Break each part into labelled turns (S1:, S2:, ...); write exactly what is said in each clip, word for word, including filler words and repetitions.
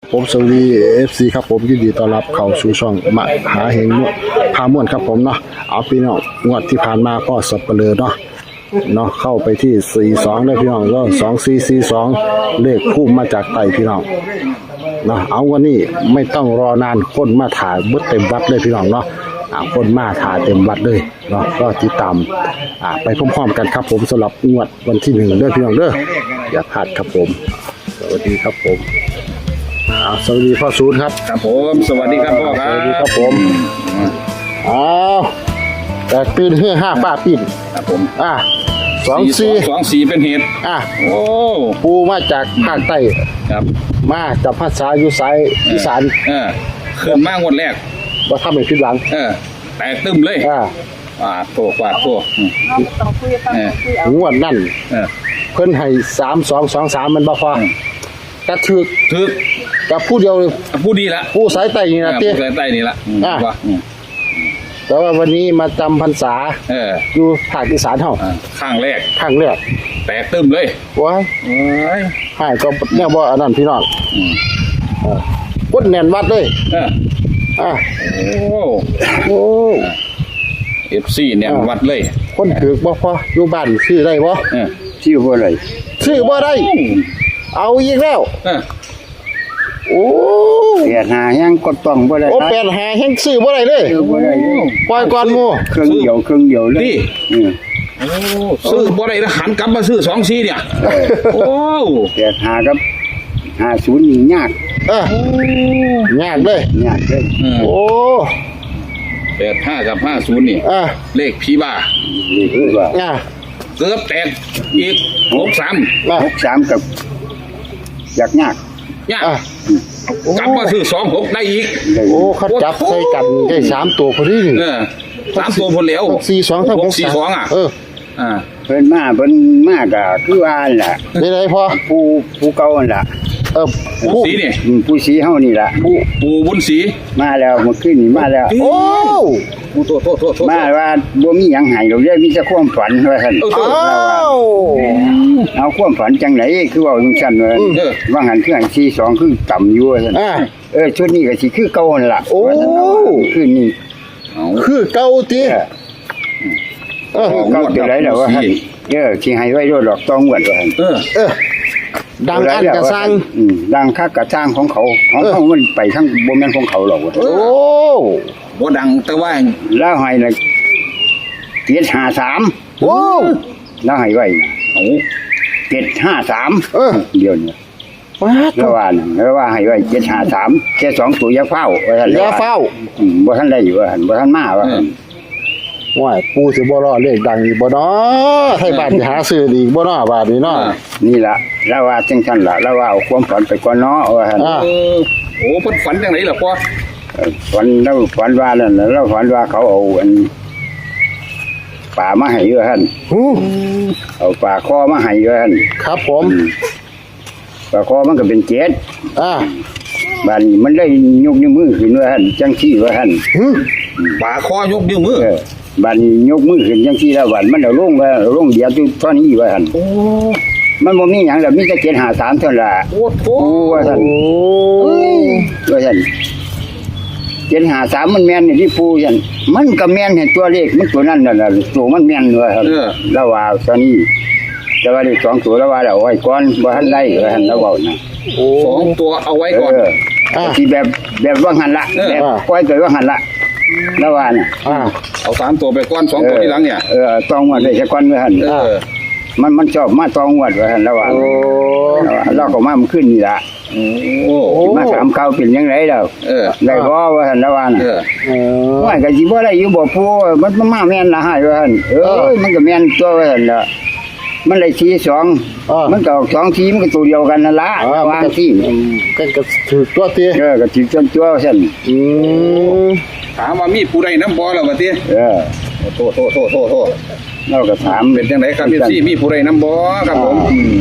S1: ผมสวัสดี เอฟ ซี ครับผมยินดีต้อนรับเข้าสู่ช่องมหาเฮงพาม่วนครับผมเนาะเอาพี่น้องงวดที่ผ่านมาก็สับเปลือเนาะเนาะเข้าไปที่สี่สิบสองได้พี่น้องก็สองสี่สี่สองเลขพุ่มมาจากไต่พี่น้องเนาะเอาวันนี้ไม่ต้องรอนานคนมาถ่ายบึ้เต็มวัดเลยพี่น้องเนาะอ่าคนมาถ่ายเต็มวัดเลยเนาะก็ติดตามอ่าไปพร้อมๆกันครับผมสำหรับงวดวันที่หนึ่งเด้อพี่น้องเด้ออย่าพลาดครับผมสวัสดีครับผมสวัสดีพ่อสูตรครับ
S2: ครับผมสวัสดีครับพ่อครับ
S1: สวัสดีครับผมอ้าวแตกตื่นเฮือห้าป้าปิ้น
S2: ครับผม
S1: อ่ะสองสี่
S2: สองสี่เป็นเหตุ
S1: อ่ะ
S2: โอ้
S1: ปูมาจากภาคใต้
S2: ครับ
S1: มาจากภาษาอยู่สายอีสาน
S2: เออขึ้นมางวดแรก
S1: ว่าทำให้ผิดหวัง
S2: เออแตกตึมเลย
S1: อ่า
S2: อ่าโตกว่าโต
S1: งวดนั่นเพิ่นให้สามสองสองสามมันบ่พอกระถึก
S2: ถึก
S1: กับผู้เดียว
S2: ผู้ดีละ
S1: ผู้สายใต้นี่นะเต้
S2: ผู้สายใต้นี่ละ
S1: อ่าแต่ว่าวันนี้มาจำพรรษา
S2: เออ
S1: อยู่ภาคอีสานเฮา
S2: ข้างแรก
S1: ข้างแรก
S2: แตกตึมเลย
S1: ว้ายโอ้ยหายก็แนวบ่อันนั้นพี่น้องอืมเออพุดแน่นวัดเลย
S2: เออ
S1: อ่ะ
S2: โอ้
S1: โอ้
S2: เอฟ ซี แน่นวัดเลย
S1: คนถือบ่พออยู่บ้านซื้อได้บ่
S2: เออ
S1: ซื้อบ่ได้ซื้อบ่ได้เอาอีกแล้ว
S2: เออ
S1: โอ้
S3: แปดหายังก็ต้องบ่ได้
S1: โอ้แปดหาแฮงซื้อบ่ได้เลย
S3: ซื้อบ่ได้
S1: ปล่อยก่อนหมู่
S3: เครื่องเดียวเครื่องเดียวเลย
S2: ดิโอ้ซื้อบ่ได้แล้วหันกลับมาซื้อสองสี่เนี่ยโอ้
S3: แปดหากับห้าศูนย์นี่ยาก
S1: เออยากเลย
S3: ยากเลย
S1: โอ้
S2: แปดห้ากับห้าศูนย์นี่
S1: อ่ะ
S2: เลขผีบ้า
S3: เลขผีบ้า
S1: อ่ะ
S2: เกือบแตกอีกหกสาม
S3: หกสามกับยากยาก
S2: ยากกลับมาซื้อสองหกได้อีก
S1: โอ้เขาจับใส่กันได้สามตัวพอดี
S2: เออสามตัวพอแล้ว
S1: สี่สองทั้งหก
S2: สี่สองอ่ะ
S1: เออ
S3: อ่าเพิ่นมาเพิ่นมากอ่ะคือว่าล่ะ
S1: ได้ไรพอ
S3: ผู้ผู้เก่าล่ะ
S1: เออ
S2: ผู้สีนี่
S3: ผู้สีเฮานี่ล่ะ
S2: ผู้ผู้บุญสี
S3: มาแล้วเมื่อคืนนี่มาแล้ว
S1: โอ้
S2: ผู้โตโตโตโต
S3: มาว่าบ่มีหยังให้ดอกเด้มีแต่ความฝันว่าซั่น
S1: อ้าว
S3: เอาความฝันจังได๋คือว่าจังซั่นว่าว่าหันคือหันสี่สองคือต่ำอยู่ว่าซั่นเออชุดนี้ก็สิคือเก่านั่นล่ะ
S1: โอ้
S3: คืนนี้
S1: คือเก่าติ
S3: เออเก่าจังได๋ล่ะว่าหั่นเออสิให้ไว้โดดดอกต้องวดว่าหั่น
S1: เออเออดังอันกระซัง
S3: อืมดังคักกระซังของเขาของเขามันไปทั้งบ่แม่นของเขาหรอก
S1: โอ้
S2: บ่ดังแต่ว่า
S3: แล้วให้น่ะเจ็ดห้าสาม
S1: โอ้
S3: แล้วให้ไว้โอ้เจ็ดห้าสาม
S1: เออ
S3: เดี๋ยวนี้
S1: ว้า
S3: แล้วว่าแล้วว่าให้ไว้เจ็ดห้าสามแค่สองตัวอย่าเฝ้าว่าซั่น
S1: อย่าเฝ้า
S3: อืมบ่ทันได้อยู่ว่าหั่นบ่ทันมาว่าหั่น
S1: ว่าปูสิบ่รอเลขดังอีกบ่เนาะให้บ้านสิหาซื้ออีกบ่เนาะบาดนี้เนาะ
S3: นี่ล่ะแล้วว่าจังซั่นล่ะแล้วว่าเอาความฝันไปก่อนเนาะว่าหั่น
S2: เออโอ้เพิ่นฝันจังได๋ล่ะพ่อ
S3: ฝันแล้วฝันว่านั่นแล้วฝันว่าเขาเอาอันปลามาให้อยู่หั่น
S1: ฮู้
S3: เอาปลาคอมาให้อยู่หั่น
S1: ครับผม
S3: ปลาคอมันก็เป็นเจ็ด
S1: อ่า
S3: บัดนี้มันได้ยกนิ้วมือขึ้นว่าหั่นจังซี่ว่าหั่น
S2: ปลาคอยกนิ้วมือ
S3: บัดนี้ยกมือขึ้นจังซี่แล้วบัดมันเอาลงว่าลงเดียวอยู่ตอนนี้ว่าหั่น
S2: โอ้
S3: มันบ่มีหยังแล้วมีแต่เจ็ดห้าสามเท่านั้นล่ะ
S2: โอ้โห
S3: ว่าซั่นโอ้ยว่าซั่นเจ็ดห้าสามมันแม่นนี่ที่ปูซั่นมันก็แม่นให้ตัวเลขมันตัวนั้นนั่นน่ะตัวมันแม่นว่าซั่นแล้วว่าตอนนี้แต่ว่าเลขสองตัวแล้วว่าเอาไว้ก่อนบ่ทันได้ว่าซั่นแล้วเว้าน่ะ
S2: โอ้สองตัวเอาไว้ก่อน
S3: เออที่แบบแบบว่าหั่นละแบบปล่อยตัวว่าหั่นละแล้วว่าน่ะ
S1: อ่า
S2: เอาสามตัวไปก่อนสองตัวทีหลังเนี่ย
S3: เออต้องว่าได้แค่ก่อนว่าหั่น
S2: เออ
S3: มันมันชอบมาตองวัดว่าหั่นแล้วว่าโอ้เราก็มามันขึ้นนี่ล่ะโอ้มาถามเขาเป็นจังได๋แล้ว
S2: เออ
S3: ได้บ่ว่าหั่นแล้วว่าน่ะ
S2: เออ
S3: เออว่าก็สิบ่ได้อยู่บ่ปู่มันมาแม่นละให้ว่าหั่นเอ้ยมันก็แม่นตัวว่าหั่นล่ะมันได้สี่สองมันก็สองทีมันก็ตัวเดียวกันนั่นล่ะวางที่
S1: ก็ก็ถือตัวเตี้ย
S3: เออก็ถือตัวซั่น
S1: อืม
S2: ถามว่ามีผู้ใดนำบ่ล่ะว่าติ
S3: เออ
S2: โทษโทษโทษโทษ
S3: เราก็ถาม
S2: เป็นจังได๋ครับพี่มีผู้ใดนำบ่ครับผม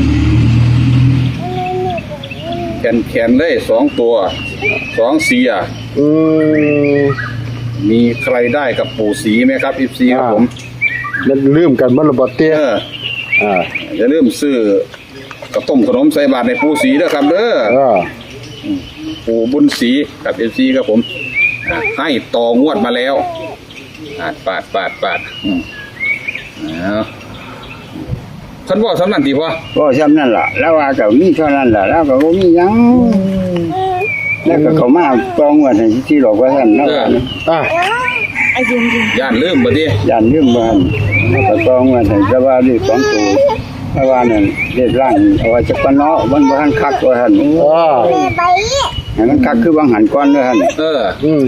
S2: แขนๆเลยสองตัวสองสีอ่ะ
S1: อืม
S2: มีใครได้กับปู่ศรีมั้ยครับ เอฟ ซี ครับผม
S1: มันลืมกันบ่ล่ะบ่เตี้ย
S2: อ่าอย่าลืมซื้อกระต้มขนมใส่บาตรในปู่ศรีเด้อครับเด้อ
S1: เออ
S2: ปู่บุญศรีกับเอฟซีครับผมอ่าให้ต่องวดมาแล้วปาดปาดปาดปาดอืมเอาท่านว่าสำนันทีพ่อ
S3: ก็ซ้ำนั่นล่ะแล้วว่าก็มีเท่านั้นล่ะแล้วก็บ่มีหยังแล้วก็เขามาตองว่าให้ที่หลอกว่าท่านแล้วว่า
S1: อ่า
S2: ย่านลืมบ่ดิ
S3: ย่านลืมบ้านแล้วก็ตองว่าให้จะว่าเลขสองตัวเพราะว่านั่นเลขล่างเอาไว้จักปะเนาะมันบ่ทันคักว่าท่าน
S1: อ่า
S3: ให้มันคักคือบางหันก่อนเด้อท่าน
S2: เออ
S1: อืม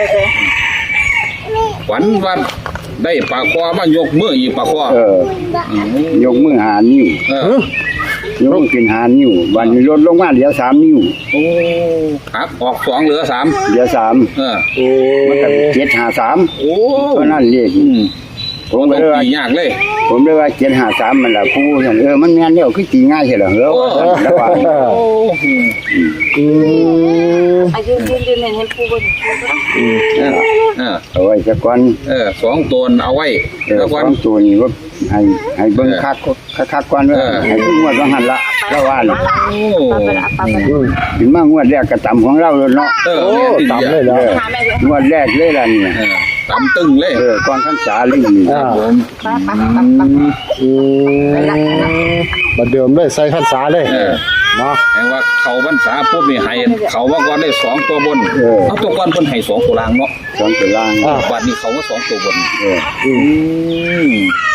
S2: ฝันวันได้ปลาคอมายกมืออีกปลาคอ
S3: เออ ยกมือหานิ้ว
S2: เออ
S3: ยกมือขึ้นหานิ้วบัดนี้ลดลงมาเหลือสามนิ้ว
S2: โอ้หักออกสองเหลือสาม
S3: เหลือสาม
S2: เออ
S1: โอ้
S3: มันก็เจ็ดหาสาม
S2: โอ้
S3: เพราะนั่นเลข
S2: อืม
S3: ผม
S2: ต้
S3: ก็
S2: อง
S3: เลยว่า
S2: ตียากเลย
S3: ผมเลยว่าเจ็ดหาสามมันล่ะผู้ท่านเออมันแม่นแล้วคือตีง่ายใช่เหรอเฮ้อแล้วว่า
S2: โอ้
S1: อืม
S4: อายุยืนยืนเห็นปูบน
S2: เออเออ
S3: เอาไว้สักก่อน
S2: เออสองตัวเอาไว้
S3: เออ
S2: แล้ว
S3: ส
S2: วั
S3: อน งตัวนี้ว่าให้ให้เบิ่งคักคักๆก่อนเด้อให้ถึงงวดว่าหั่นละแล้วว่าน่ะ
S2: โอ้
S4: ปลาไปละปลาไปละ
S1: อืม
S3: ถึงมางวดแรกก็ต่ำของเราเลยเนาะ
S2: เออ
S1: โอ้
S2: เนี่ยติด
S1: ต่ำ
S2: เย
S1: เลย
S2: อะ
S1: เหรอ
S4: หาแม่ด้วย
S3: งวดแรกเลยล่ะนี่
S2: เออตำตึงเลย
S3: เออก่อนพรรษาเลยนี่
S1: อ่า
S2: ผม
S4: ปลาปลาปลาปลา
S1: อืมมาเดิมเลยใส่พรรษาเลย
S2: เออ
S1: เนาะ
S2: แปลว่าเขาบรรษาปุ๊บนี่ให้เขาว่าก่อนได้สองตัวบน
S3: เออ
S2: เอาตัวก่อนเพิ่นให้สองตัวล่างเนาะ
S3: สองตัวล่าง
S1: อ่า
S2: บัดนี้เขาว่าสองตัวบน
S3: เออ
S1: อืม
S2: อืม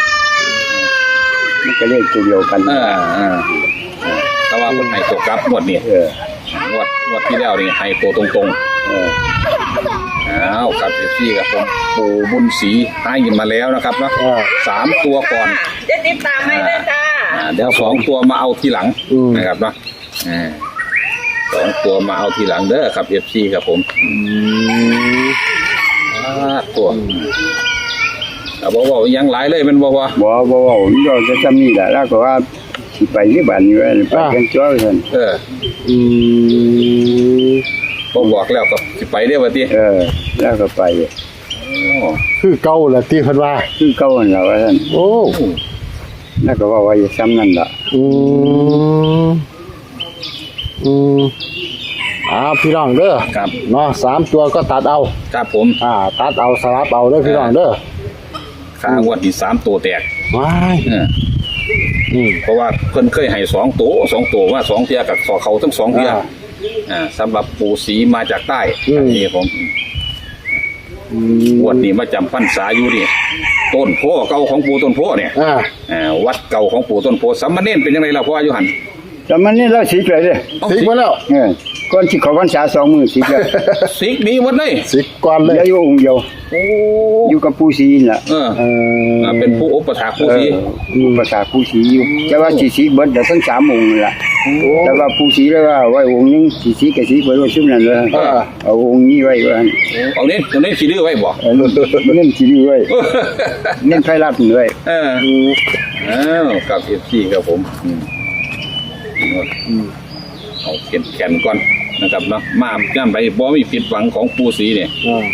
S3: มันก็เลขตัวเดียวกัน
S2: เออเออเออแต่ว่าเพิ่นให้ตัวกลับงวดนี้
S3: เออ
S2: งวดงวดที่แล้วนี่ให้ตัวตรง
S3: เออ
S2: ๆอ้าวครับเอฟซีครับผมปู่บุญศรีให้ยินมาแล้วนะครับเนาะ
S1: อ่า
S2: สามตัวก่อน
S4: จะติดตามให้ด้วยจ้า
S2: อ่าเดี๋ยวสองตัวมาเอาทีหลัง
S1: อืม
S2: นะครับเนาะอ่าสองตัวมาเอาทีหลังเด้อครับเอฟซีครับผม
S1: อืม
S2: อ่าตัวเอาบอกว่ายังหลายเลยเป็นบอกว่า
S3: บ่บ่บ่มันก็จะซ้ำนี่แหละแล้วก็ว่าสิไปที่บ้านนี่ว่าไปกันจ้อยซั่น
S2: เออ
S1: อืม
S2: บ่บอกแล้วก็สิไปได้อว่าติ
S3: เออ แล้วก็ไป
S2: โอ้
S1: คือเก่าแหละที่เพิ่นว่า
S3: คือเก่านั่นล่ะว่าซั่น
S1: โอ้
S3: แล้วก็ว่าว่าอย่าซ้ำนั่นล่ะ
S1: อืมอืมอ่าพี่น้องเด้อ
S2: ครับ
S1: เนาะสามตัวก็ตัดเอา
S2: ครับผม
S1: อ่า ตัดเอาสลับเอาเด้อพี่น้องเด้อ
S2: ค่างวดที่สามตัวแตก
S1: ว้าย
S2: เออ
S1: อืม
S2: เพราะว่าเพิ่นเคยให้สองตัวสองตัวว่าสองเทียกับขอเขาทั้งสองเทีย
S1: อ่า
S2: อ่าสำหรับปู่ศรีมาจากใต้
S1: อืม
S2: นี่ผม
S1: อืม
S2: งวดนี้มาจำพรรษาอยู่นี่ต้นโพเก่าของปู่ต้นโพเนี่ย
S1: อ่า
S2: อ่าวัดเก่าของปู่ต้นโพสัมมาเนนเป็นยังไงล่ะพ่ออายุหัน
S3: แต่มันนี่เราสิเลยเด้อ
S1: สิกมาแล้ว
S3: เออก่อนสิเข้าพรรษาสองมื้อสิแล้ว
S2: สิกดีหมดเลย
S1: สิกก่อนเลย
S3: เหลืออยู่องค์เดียว
S2: โอ้
S3: อยู่กับปู่ศรีนั่นล่ะ
S2: เออ
S1: เออ
S2: อ่าเป็นผู้อุปถากปู่ศรี
S3: เออภาษาปู่ศรีอยู่แต่ว่าสิสิเบิดเดี๋ยวทั้งสามองค์นั่นล่ะแต่ว่าปู่ศรีแล้วว่าไว้องค์หนึงสิสิก็สิเบิดไว้ซุมนั้นเลยเอาองค์นี้ไว้ว่าหั่น
S2: เอาเน้นเอาเน้นสีดื้อไว้บ่
S3: เออเน้นสิดีไว้เน้นไผรับนี่ไว้
S2: เอออ้าวกับเอฟซีครับผมอืมอืมเอาเข็นแขนก่อนนะครับเนาะมาย่ำไปบ่มีผิดหวังของปู่ศรีเนี่ย
S1: อ่า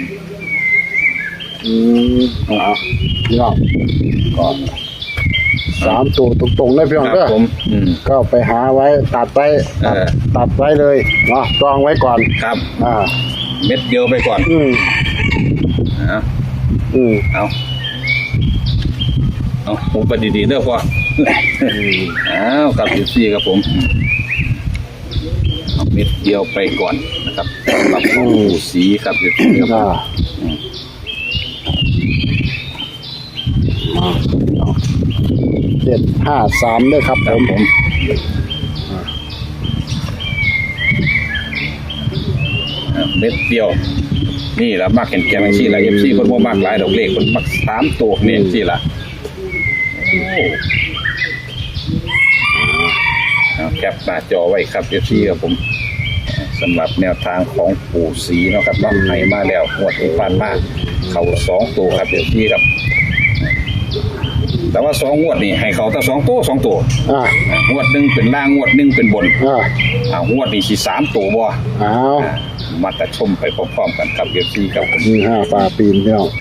S1: อืมอ่าพี่น้องก็สามตัวตรงๆเลยพี่น้อง
S2: ครั
S1: เด้
S2: บ
S1: อ
S2: ผมอืม
S1: ก็ไปหาไว้ตัดไว้ตัด
S2: เออ
S1: ตัดไว้เลยเนาะจองไว้ก่อน
S2: ครับ
S1: อ่า
S2: เม็ดเดียวไปก่อน
S1: อืม
S2: เอา
S1: อืม
S2: เอาเอาผมไปดีๆเด้อพ่ออ้าวกับเอฟซีครับผมเอาเม็ดเดียวไปก่อนนะครับสำหรับของปู่ศรีครับเอฟซีครับผ
S1: อ่าม เอาเจ็ดห้าสามด้วยครับ
S2: ค
S1: ผ
S2: รับ
S1: ม
S2: ผมอ่าเม็ดเดียว นี่ละมักเห็นแกงซี่ละเอฟซีคนบ่มากหลายดอกเลขคนมักสามตัวนี่ซี่ละโอ้เอาแคปหน้าจอไว้ครับเอฟซีครับผมสำหรับแนวทางของปู่ศรีเนาะครับเนาะให้มาแล้วงวดที่ผ่านมาเขาสองตัวครับเอฟซีครับ แต่ว่าสองงวดนี่ให้เขาแต่สองตัวสองตัว
S1: อ่า
S2: อ่างวดหนึ่งเป็นล่างงวดหนึ่งเป็นบน
S1: อ่า
S2: อ่างวดนี่สิสามตัวบ่
S1: เอา
S2: อ่ามาตัดชมไปพร้อมๆกันครับเอฟซีครับผม
S1: นี่ห้าปลาปีนพี่น้อง